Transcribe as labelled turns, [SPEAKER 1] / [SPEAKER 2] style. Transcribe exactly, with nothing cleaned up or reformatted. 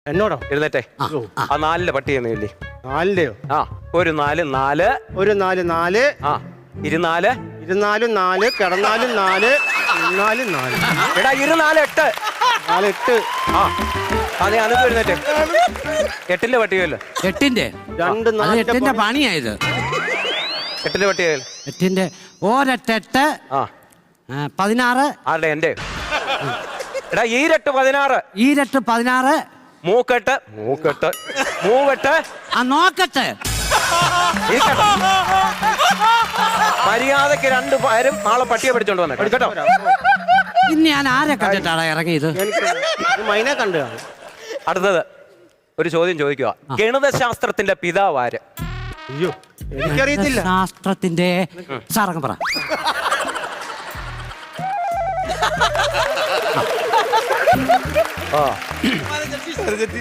[SPEAKER 1] എന്നോടോ?
[SPEAKER 2] എഴുന്നേറ്റേ. ആ നാലിലെ പട്ടി എന്നില്ലേ?
[SPEAKER 1] നാലിന്റെയോ?
[SPEAKER 2] ആ ഒരു നാല് നാല്
[SPEAKER 1] ഒരു നാല് നാല്
[SPEAKER 2] ആ ഇരുനാല്
[SPEAKER 1] ഇരുന്നാലും നാല് കിടന്നാലും നാല് ഇരുന്നാലും നാല്
[SPEAKER 2] എടാ ഇരുനാല് എട്ട്
[SPEAKER 1] നാല് എട്ട്.
[SPEAKER 2] ആ അതെ അനക്ക് എഴുന്നേറ്റേ. എട്ടിന്റെ പട്ടികയല്ലോ.
[SPEAKER 3] എട്ടിന്റെ
[SPEAKER 1] രണ്ട്
[SPEAKER 3] അത്
[SPEAKER 1] നാല്
[SPEAKER 3] എട്ടിന്റെ പണിയായത്.
[SPEAKER 2] എട്ടിന്റെ പട്ടികയല്ലോ.
[SPEAKER 3] എട്ടിന്റെ ഒരെട്ടെട്ട്
[SPEAKER 2] ആ
[SPEAKER 3] ആ, പതിനാറ്.
[SPEAKER 2] ആരുടെ? എന്റെ. എടാ ഈരെട്ട് പതിനാറ്.
[SPEAKER 3] ഈരട്ട് പതിനാറ്.
[SPEAKER 2] മൂക്കെട്ട് മൂക്കെട്ട് മൂവെട്ട്.
[SPEAKER 3] ആ നോക്കട്ടെ.
[SPEAKER 2] ഇരിക്കട്ടെ. മര്യാദക്ക് രണ്ടു പേരും നാളെ പട്ടിയെ പഠിച്ചോണ്ട് വന്നേ കേട്ടോ.
[SPEAKER 3] ഇന്ന് ഞാൻ ആരെ കണ്ടിട്ടാണ് ഇറങ്ങിയത്?
[SPEAKER 1] എനിക്ക് മൈനെ കണ്ടു കാണും.
[SPEAKER 2] അടുത്തത് ഒരു ചോദ്യം ചോദിക്കുക. ഗണിതശാസ്ത്രത്തിന്റെ പിതാവ് ആര്?
[SPEAKER 1] അയ്യോ എനിക്കറിയത്തില്ല.
[SPEAKER 3] ശാസ്ത്രത്തിന്റെ സാറങ്ങ് പറ.
[SPEAKER 2] ആ